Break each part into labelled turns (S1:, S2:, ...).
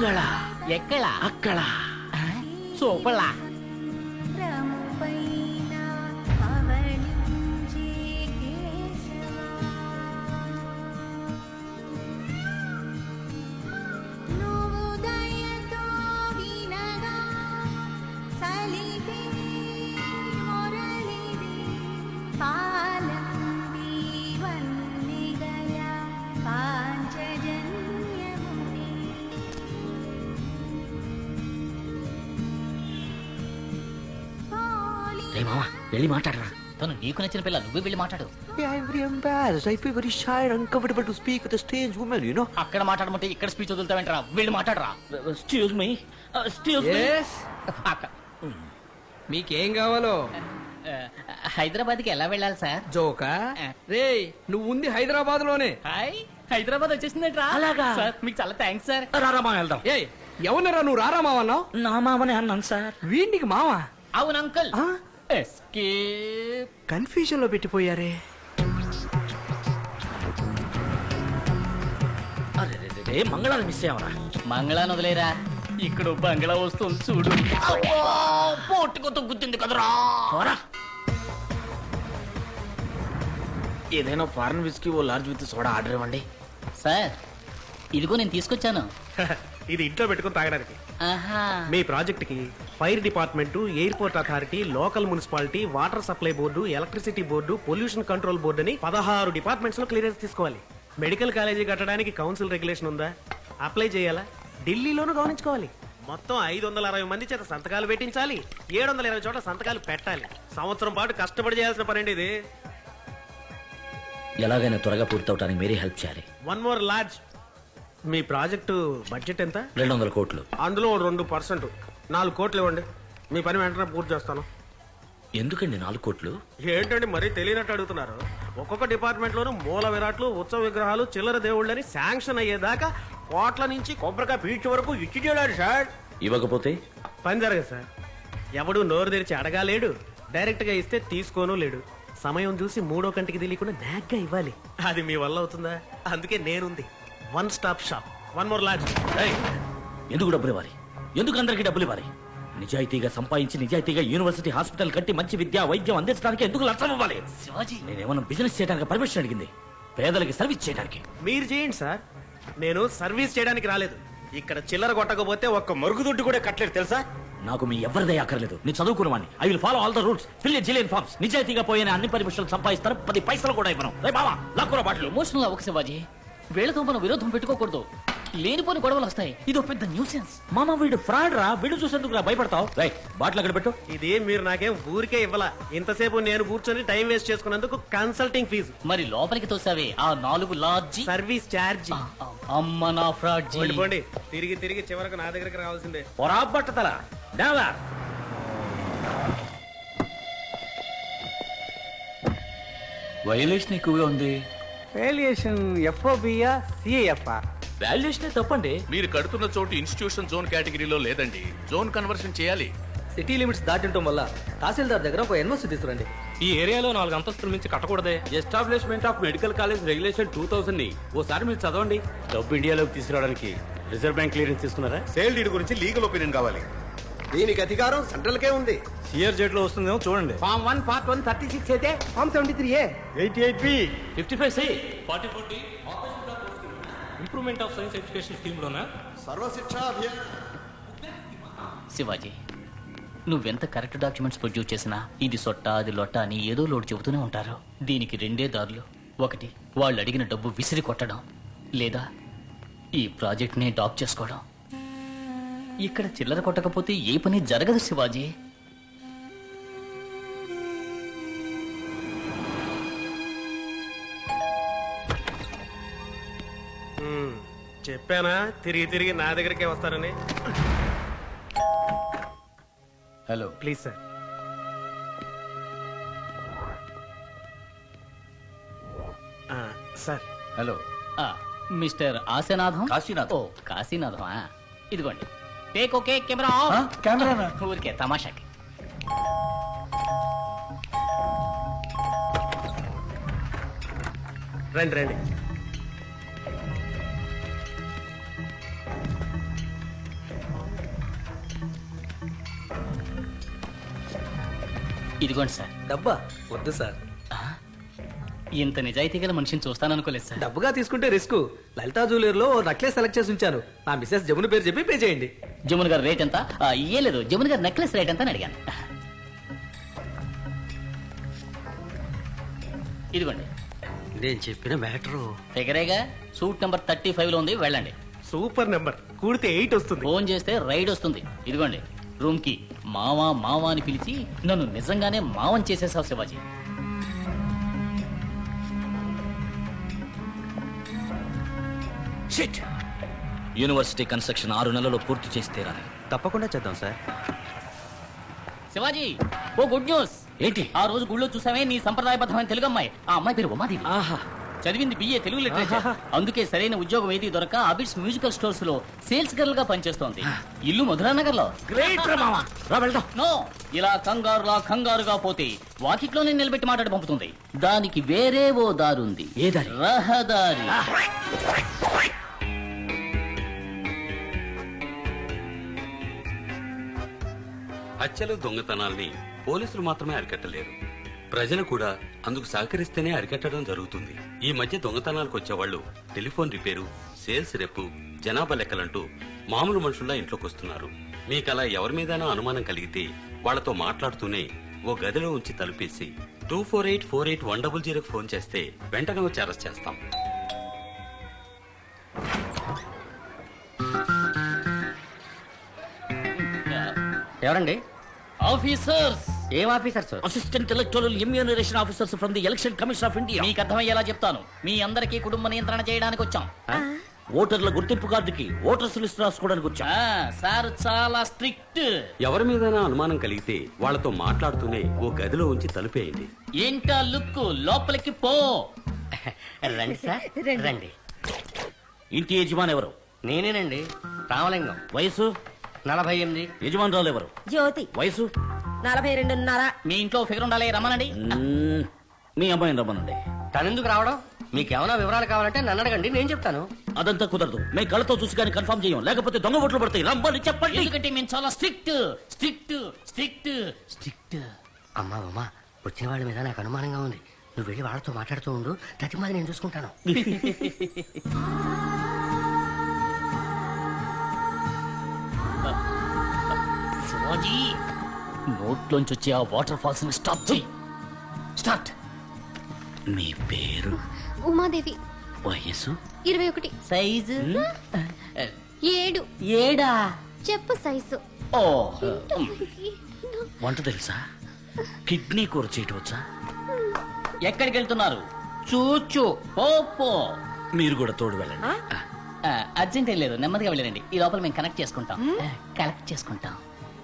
S1: అంగళ
S2: ఎక్కడ
S1: అక్కడ
S2: సూపర్లా
S1: రే మామ వెళ్ళి మాట్లాడరా.
S2: తను నీకు నచ్చిన పిల్ల నువ్వే వెళ్ళి మాట్లాడు.
S1: I'm very embarrassed. I feel very shy and uncomfortable to speak with a strange woman, you know.
S2: అక్కడ మాట్లాడమంటే ఇక్కడ స్పీచ్ వదులుతావేంటరా? వెళ్ళి మాట్లాడరా.
S1: Excuse me. Excuse me.
S2: అక్క
S3: మీకేం కావాలో?
S2: హైదరాబాద్కి ఎలా వెళ్ళాలి సార్?
S3: జోకా రే, నువ్వు ఉంది హైదరాబాద్ లోనే.
S2: హాయ్, హైదరాబాద్ వచ్చేసిందంట్రా.
S1: అలాగా?
S2: సార్ మీకు చాలా థ్యాంక్స్ సార్.
S1: రారా మామ వెళ్దాం.
S3: ఏ ఎవరినరా నువ్వు రారా మావన్నావు?
S1: నా మామనే అన్నాను సార్.
S3: వీడికి మావా?
S2: అవును అంకుల్.
S3: ఆ?
S2: ఎస్కేప్.
S3: కన్ఫ్యూజన్ లో పెట్టిపోయారే.
S1: అరే రే మంగళాన్ని మిస్ అయ్యావరా.
S2: మంగళాన్ని వదిలేరా, ఇక్కడ బంగ్లా వస్తుంది చూడు. పోటుకొత్త గుర్తుంది కదరా.
S1: ఏదైనా ఫారెన్ విస్కీ ఓ లార్జ్ విత్ సోడా ఆర్డర్ ఇవ్వండి.
S2: సార్ ఇదిగో నేను తీసుకొచ్చాను.
S4: ఇది ఇంట్లో పెట్టుకుని తాగడానికి.
S2: ఆహా.
S4: మీ ప్రాజెక్ట్ కి fire department, airport authority, local municipality, water supply board, electricity board, pollution control board అని 16 డిపార్ట్మెంట్స్ లో క్లియరెన్స్ తీసుకోవాలి. మెడికల్ కాలేజీ కట్టడానికి కౌన్సిల్ రెగ్యులేషన్ ఉందా? అప్లై చేయాలా? ఢిల్లీలోనూ గమనించుకోవాలి. మొత్తం 560 మంది చేత సంతకాలు పెట్టించాలి. 720 చోట్ల సంతకాలు పెట్టాలి. సంవత్సరం పాటు కష్టపడి చేయాల్సిన పనండి ఇది.
S1: ఎలాగైనా త్వరగా పూర్తవటానికి మీరే హెల్ప్ చేయాలి.
S4: One more large. మీ ప్రాజెక్టు బడ్జెట్ ఎంత?
S1: 200 కోట్లు.
S4: అందులో 2% 4 కోట్లు ఇవ్వండి. మీ పని వెంటనే పూర్తి చేస్తాను.
S1: ఎందుకండి 4 కోట్లు?
S4: ఏంటండి మరీ తెలియనట్టు అడుగుతున్నారు. ఒక్కొక్క డిపార్ట్మెంట్ లోనూ మూల విరాట్లు, ఉత్సవ విగ్రహాలు, చిల్లర దేవుళ్ళని శాంక్షన్ అయ్యేదాకా కోట్ల నుంచి కొబ్బరికాయ పీచు వరకు ఇచ్చి చేయడాడు సార్.
S1: ఇవ్వకపోతే
S4: పని జరగదు సార్. ఎవడు నోరు తెరిచి అడగాలేడు, డైరెక్ట్ గా ఇస్తే తీసుకోను లేడు. సమయం చూసి మూడో కంటికి తెలియకుండా నాగ్గా ఇవ్వాలి. అది మీ వల్ల అవుతుందా? అందుకే నేనుంది. One stop shop. One more large.
S1: ఎందుకు డబ్బులు ఇవ్వాలి? ఎందుకు అందరికీ డబ్బులు ఇవ్వాలి? నిజాయితీగా సంపాదించి నిజాయితీగా యూనివర్సిటీ హాస్పిటల్ కట్టి మంచి విద్య వైద్యం అందించడానికి ఎందుకు లక్షం ఇవ్వాలి?
S2: శివాజీ,
S1: నేనేమన్నా బిజినెస్ చేయడానికి పర్మిషన్ అడిగింది, పేదలకి సర్వీస్ చేయడానికి.
S4: మీరు చేయండి సార్, నేను సర్వీస్ చేయడానికి రాలేదు. ఇక్కడ చిల్లర కొట్టకపోతే ఒక్క మరుగుదొడ్డు కూడా కట్టలేదు తెలుసా?
S1: నాకు మీ ఎవరిదే అక్కర్లేదు. నేను చదువుకున్నవాడిని. I will follow all the rules, fill a zillion forms. నిజాయితీగా పోయిన అన్ని పర్మిషన్లు సంపాదిస్తారు, 10 పైసలు కూడా ఇవ్వను. రే బావా, లాక్కురా బాటలు.
S2: ఎమోషనల్ అవ్వక శివాజీ. వీళ్ళతో మనం విరోధం పెట్టుకోకూడదు. లేనిపోని గొడవలు వస్తాయి. ఇది ఒక పెద్ద న్యూసెన్స్.
S1: మామ వీడు ఫ్రాడ్ రా. వీడు చూసేందుకు రా భయపడతావు. రైట్, బాటిల్ అక్కడ పెట్టు.
S4: ఇది మీరు నాకేం ఊరికే ఇవ్వాల. ఇంతసేపు నేను కూర్చొని టైం వేస్ట్ చేసుకున్నందుకు కన్సల్టింగ్ ఫీజు.
S2: మరి లోపలికి తోసావే ఆ 4 లాడ్జి.
S4: Service charge.
S2: అమ్మ నా ఫ్రాడ్ జీ.
S4: పోండి, తిరిగి తిరిగి చివరకు నా దగ్గరికి రావాల్సిందే.
S1: పొరా బట్టతల డావా.
S5: వైలేషన్ ఎక్కువగా ఉంది.
S3: వేలియేషన్ ఎఫ్ఓబియా సిఏఎఫ్ఆ?
S5: వాల్యుయేషనే తప్పండి.
S6: మీరు కడుతున్న చోటు ఇన్స్టిట్యూషన్ జోన్ కేటగిరీలో లేదండి. జోన్ కన్వర్షన్ చేయాలి.
S3: సిటీ లిమిట్స్ దాటించడం వల్ల తహసీల్దార్ దగ్గర ఒక ఎన్ఓసి తీసుకురండి.
S5: ఈ ఏరియాలో 4 అంతస్తుల మించి కట్టకూడదే. Establishment of medical college regulation 2000 ని ఓసారి మీరు చదవండి.
S7: డబ్బు ఇండియాలోకి తీసుకురావడానికి రిజర్వ్ బ్యాంక్ క్లియరెన్స్ తీసుకున్నారా?
S8: సేల్ డీడ్ గురించి లీగల్ ఒపీనియన్ కావాలి.
S7: దీనికి అధికారం సెంట్రల్ కే ఉంది.
S8: సిఆర్ జెడ్ లో వస్తుందేమో చూడండి.
S3: ఫామ్ 1 పార్ట్ 1 36 అయితే form 73A
S7: 88B
S5: 55C 44D improvement of science education scheme లోనా?
S8: సర్వశిక్ష అభియాన్.
S2: శివాజీ, నువ్వెంత కరెక్ట్ డాక్యుమెంట్స్ ప్రొడ్యూస్ చేసినా ఇది సొట్ట అది లొట్ట అని ఏదో లోటు చెబుతూనే ఉంటారు. దీనికి 2 దారులు. ఒకటి, వాళ్ళు అడిగిన డబ్బు విసిరి కొట్టడం, లేదా ఈ ప్రాజెక్ట్ ని డాప్ చేసుకోవడం. ఇక్కడ చిల్లర కొట్టకపోతే ఏ పని జరగదు శివాజీ.
S4: చెప్పానా తిరిగి తిరిగి నా దగ్గరికే వస్తారని.
S5: Hello,
S4: please sir. Sir
S5: hello.
S2: Mister Ashanatham.
S5: Kashinatham.
S2: ఓ కాశీనాథం. ఇదిగోండి, టేక్ ఓకే కెమెరా.
S5: కెమెరా
S2: ఊరికే తమాషాకి.
S4: రండి రండి.
S2: ఇదిగోండి సార్.
S3: డబ్బా వద్దు సార్.
S2: ఇంత నిజాయితీ గల మనిషిని చూస్తాననుకోలేదు సార్.
S3: డబ్బుగా తీసుకుంటే రిస్క్. లలితా జ్యువెలర్ లో నెక్లెస్ సెలెక్ట్ చేసి ఉంచాను. నా మిస్సెస్ జమున పేరు చెప్పి పే చేయండి.
S2: జమున్ గారు రేట్ ఎంత? ఏ లేదు, జమున్ గారు నెక్లెస్ రేట్ ఎంత అని అడిగాను. ఇదిగోండి.
S4: నేను చెప్పిన మ్యాటరు
S2: ఫిగరేగా. సూట్ నెంబర్ 35 లో ఉంది, వెళ్ళండి.
S4: Super number. కూడితే 8 వస్తుంది.
S2: ఫోన్ చేస్తే రైడ్ వస్తుంది. ఇదిగోండి రూమ్ కి. మావా మావా అని పిలిచి నన్ను నిజంగానే మావం చేసేసావు శివాజీ.
S1: షిట్. యూనివర్సిటీ కన్స్ట్రక్షన్ 6 నెలల్లో పూర్తి చేసి తీరాలి.
S3: తప్పకుండా చేద్దాం సార్.
S2: శివాజీ, ఓ గుడ్ న్యూస్.
S1: ఏంటి?
S2: ఆ రోజు గుళ్ళో చూసామే నీ సంప్రదాయబద్ధమైన తెలుగు అమ్మాయి. ఆ అమ్మాయి పేరు ఉమాదేవి.
S1: ఆహా.
S2: చదివింది BA తెలుగు లిటరేచర్. అందుకే సరైన ఉద్యోగం ఏది దొరక అబిడ్స్ మ్యూజికల్ స్టోర్స్ లో సేల్స్ గర్ల్ గా పనిచేస్తోంది. ఇల్లు మధురానగర్ లో.
S1: గ్రేట్ రా మావా. రా వెళ్దాం.
S2: నో, ఇలా కంగారుగా పోతే వాకిట్లోనే నిలబెట్టి మాట్లాడి పంపుతుంది. దానికి వేరే ఓ దారుంది.
S1: ఏ దారి?
S2: రహదారి.
S5: హత్యలు దొంగతనాల్ని పోలీసులు మాత్రమే అరికట్టలేరు, ప్రజలు కూడా అందుకు సహకరిస్తేనే అరికట్టడం జరుగుతుంది. ఈ మధ్య దొంగతనాలకు వచ్చేవాళ్లు టెలిఫోన్ రిపేరు, సేల్స్ రెప్పు, జనాభా లెక్కలంటూ మామూలు మనుషుల్లా ఇంట్లోకి వస్తున్నారు. మీకలా ఎవరి మీదైనా అనుమానం కలిగితే వాళ్లతో మాట్లాడుతూనే ఓ గదిలో ఉంచి తలుపేసి 24848100 ఫోన్ చేస్తే వెంటనే వచ్చి అరెస్ట్ చేస్తాం.
S4: ఎవరండి?
S2: ఆఫీసర్స్.
S4: ఏం officers?
S1: Assistant electoral enumeration officers from the election commission of India.
S2: మీకు అర్థమయ్యేలా చెప్తాను. మీ అందరికీ కుటుంబ నియంత్రణ చేయడానికి వచ్చాం.
S1: ఓటర్ల గుర్తింపు కార్డుకి ఓటర్స్ లిస్ట్ రాసుకోవడానికి వచ్చా.
S2: సార్ చాలా స్ట్రిక్ట్.
S5: ఎవరి మీదైనా అనుమానం కలిగితే వాళ్లతో మాట్లాడుతూనే ఓ గదిలో ఉంచి తలుపేయండి.
S2: ఏంటా లుక్? లోపలికి పో.
S4: రండి సార్, రండి.
S1: ఇంటి యజమాని ఎవరు?
S4: నేనేనండి, రామలింగం.
S1: వయసు?
S4: 48.
S1: యజమానురాలు ఎవరు?
S9: జ్యోతి.
S1: వయసు?
S9: 42.5.
S2: మీ ఇంట్లో ఫిగర్ ఉండాలి, రమ్మనండి.
S1: మీ అమ్మాయిని రమ్మనండి.
S4: తనెందుకు రావడం? మీకేమైనా వివరాలు కావాలంటే నన్ను అడగండి, నేను చెప్తాను.
S1: అదంతా కుదరదు. మేము కళ్ళతో చూసి కానీ కన్ఫర్మ్ చేయం, లేకపోతే దొంగ ఓట్లు పడతాయి. రమ్మని చెప్పండి.
S2: ఎందుకంటే మేము చాలా స్ట్రిక్ట్ స్ట్రిక్ట్ స్ట్రిక్ట్ స్ట్రిక్ట్.
S4: అమ్మా అమ్మా, వచ్చిన వాళ్ళ మీద నాకు అనుమానంగా ఉంది. నువ్వు వెళ్ళి వాళ్ళతో మాట్లాడుతూ ఉండు, తతిమాది నేను చూసుకుంటాను.
S2: శివాజీ, నోట్లోంచి వచ్చే ఆ వాటర్ ఫాల్స్ ని స్టాప్ చేయి. స్టార్ట్.
S1: మీ పేరు?
S9: ఉమాదేవి.
S1: వయసు?
S9: 21.
S2: సైజు?
S9: 7.
S2: 7.
S9: చెప్పు సైజు.
S2: ఓ,
S1: వంట తెలుసా? కిడ్నీ కూర చేయటం వచ్చా?
S2: ఎక్కడికి వెళ్తున్నారు? చూచు. పో.
S1: మీరు కూడా తోడు వెళ్ళండి.
S2: అర్జెంట్ ఏం లేదు, నెమ్మదిగా వెళ్ళండి. ఈ లోపల మేము కనెక్ట్ చేసుకుంటాం. కలెక్ట్ చేసుకుంటాం.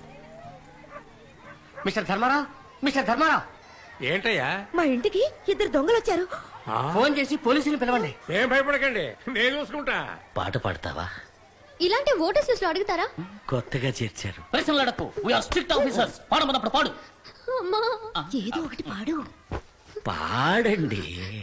S4: Mister Dharmarao, mister Dharmarao.
S7: ఏంటయ్యా?
S9: మా ఇంటికి 2 దొంగలు వచ్చారు.
S4: ఫోన్ చేసి పోలీసుని పిలవండి.
S7: ఏం భయపడకండి, నేను చూసుకుంటా.
S1: పాట పాడతావా?
S9: ఇలాంటి ఓటర్స్ లిస్ట్ లో అడుగుతారా?
S1: కొత్తగా చేర్చారు.
S2: ప్రశ్నలు అడక్కు. We're strict officers. పాడమన్నప్పుడు పాడు.
S9: అమ్మా, ఏదో ఒకటి పాడు.
S1: పాడండి.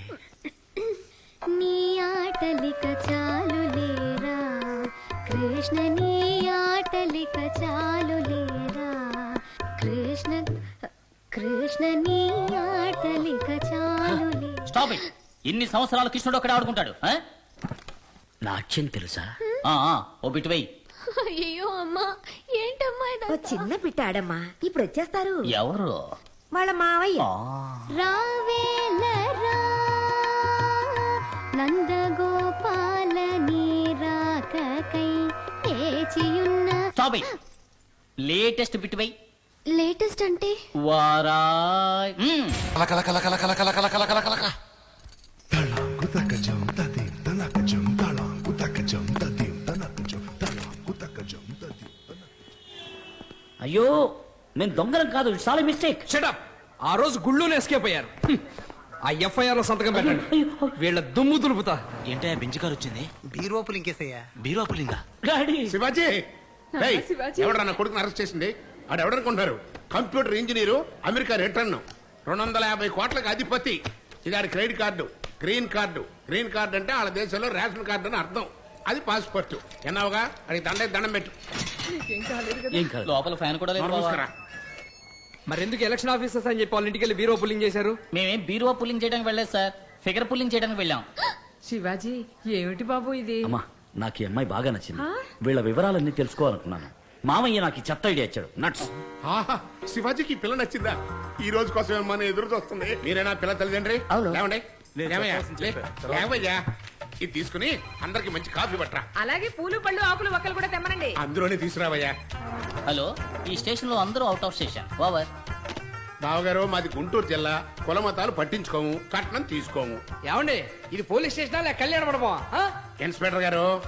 S9: నీ ఆటలిక చాలు లేరా కృష్ణ, నీ ఆటలిక చాలు లేరా కృష్ణ, కృష్ణ నీ ఆటలిక చాలు లేరా.
S2: Stop it. ఇన్ని సంవత్సరాలు కృష్ణుడు ఒకడే ఆడుకుంటాడు.
S1: నాట్యం తెలుసా?
S2: ఓ బిట్ వెయ్యి.
S9: అయ్యో అమ్మా, ఏంటమ్మా చిన్న పిట్టాడమ్మా, ఇప్పుడు వచ్చేస్తారు.
S2: ఎవరు?
S9: వాళ్ళ మావయ్య.
S2: ఆ.
S9: రావేలరా నందగోపాల నీరాకకై ఏచియున్న.
S2: Stop it. లేటెస్ట్ బిట్ వెయ్యి.
S9: లేటెస్ట్ అంటే
S2: వారాయ్.
S1: అయ్యో, మేము దొంగలం కాదు. It's all mistake.
S3: షటప్. ఆ రోజు గుళ్ళోనే ఎస్కేప్ అయ్యారు. ఆ FIR లో సంతకం పెట్టండి. వీళ్ళ దుమ్ము దులుపుతా.
S1: ఏంటయ్యా బెంచ్ కారు వచ్చింది?
S8: బీరోపులు ఇంకేసయ్యా.
S1: బీరోపులింగా? డాడీ.
S8: శివాజీ, ఎవడన్నా కొడుకుని అరెస్ట్ చేసింది? ఆడు ఎవడనుకుంటారు? కంప్యూటర్ ఇంజనీరు, అమెరికా రిటర్న్, 250 కోట్లకు అధిపతి. ఇది credit card, green card. Green card అంటే వాళ్ళ దేశంలో రేషన్ కార్డు అని అర్థం. అది పాస్పోర్ట్. ఎన్నావుగా అది దండం పెట్టు.
S1: ఏం కాదు.
S2: లోపల ఫ్యాన్ కూడా లేదు.
S8: చూసుకురా.
S3: మరెందుకు ఎలక్షన్ ఆఫీసర్స్ అని చెప్పి వాళ్ళ ఇంటికి వెళ్ళి బీరో పుల్లింగ్ చేశారు?
S2: మేమేం బీరువా పుల్లింగ్ చేయడానికి వెళ్ళలేదు సార్, ఫిగర్ పుల్లింగ్ చేయడానికి వెళ్ళాం.
S10: శివాజీ ఏమిటి బాబు ఇది?
S1: అమ్మా నాకు ఈ అమ్మాయి బాగా నచ్చింది. వీళ్ళ వివరాలన్నీ తెలుసుకోవాలనుకున్నాను. మామయ్య నాకు ఈ చెత్త ఐడియా ఇచ్చాడు. నట్స్.
S8: ఆహా, శివాజీకి ఈ పిల్ల నచ్చిందా? ఈ రోజు కోసం మన ఎదురు చూస్తుంది. మీరేనా పిల్ల తల్లిదండ్రి? లేవండి. లేవయ్యా, లే. లేవయ్యా. ఇది తీసుకుని అందరికి మంచి కాఫీ పట్టరా.
S10: అలాగే పూలు పళ్ళు ఆకులు ఒక్కలు కూడా తెమ్మనండి.
S8: అందులోనే తీసుకురావయ్యా.
S2: హలో, ఈ స్టేషన్ లో అందరూ అవుట్ ఆఫ్ స్టేషన్. ఓవర్.
S8: బావగారు, మాది గుంటూరు జిల్లా. కులమతాలు పట్టించుకోము, కట్నం తీసుకోము.
S3: ఏమండి, ఇది పోలీస్ స్టేషనా లేక కళ్యాణ మండపమా?
S8: ఇన్స్పెక్టర్ గారు,